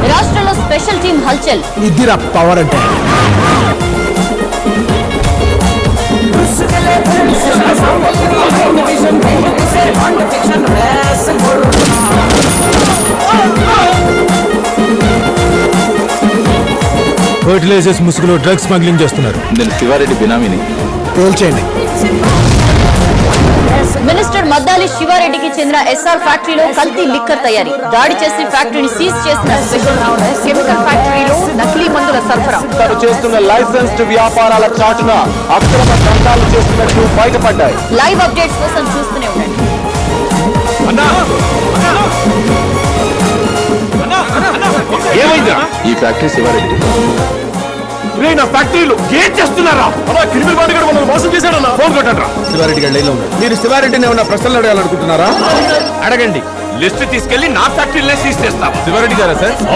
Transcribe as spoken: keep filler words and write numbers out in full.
రాష్ట్రంలో special team హల్చల్. ఇదిరా పవర్ అంటే. ఫర్టిలైజర్స్ ముసుగులో డ్రగ్స్ స్మగ్లింగ్ చేస్తున్నారు. నేను శివారెడ్డి బినామీని. తేల్చేయండి. మినిస్టర్ మద్దాలి శివారెడ్డికి చెందిన ఎస్ఆర్ ఫ్యాక్టరీలో కల్తీ లిక్కర్ తయారీ. దాడి చేసి ఫ్యాక్టరీని సీజ్ చేసిన స్పెషల్ కెమికల్ ఫ్యాక్టరీలో నకిలీ మందుల సరఫరా. తను చేస్తున్న లైసెన్స్డ్ వ్యాపారాల చాటున అక్రమ దందాలు చేస్తున్నట్టు బయటపడ్డాయి. లైవ్ అప్డేట్స్ కోసం చూస్తూనే ఉండండి. ఏమైందా? ఈ ఫ్యాక్టరీ శివారెడ్డి. నా ఫ్యాక్టరీలో ఏం చేస్తున్నారా? క్రిమినల్ బాడీ కూడా మనల్ని మోసం చేశాడన్నా. ఫోన్ కొట్టండి. శివారెడ్డి గారు లైన్లో ఉన్నారు. మీరు శివారెడ్డిని ఏమన్నా ప్రశ్నలు అడగాలనుకుంటున్నారా? అడగండి. లిస్ట్ తీసుకెళ్లి నా ఫ్యాక్టరీలో సీజ్ చేస్తాం. శివారెడ్డి గారా సార్?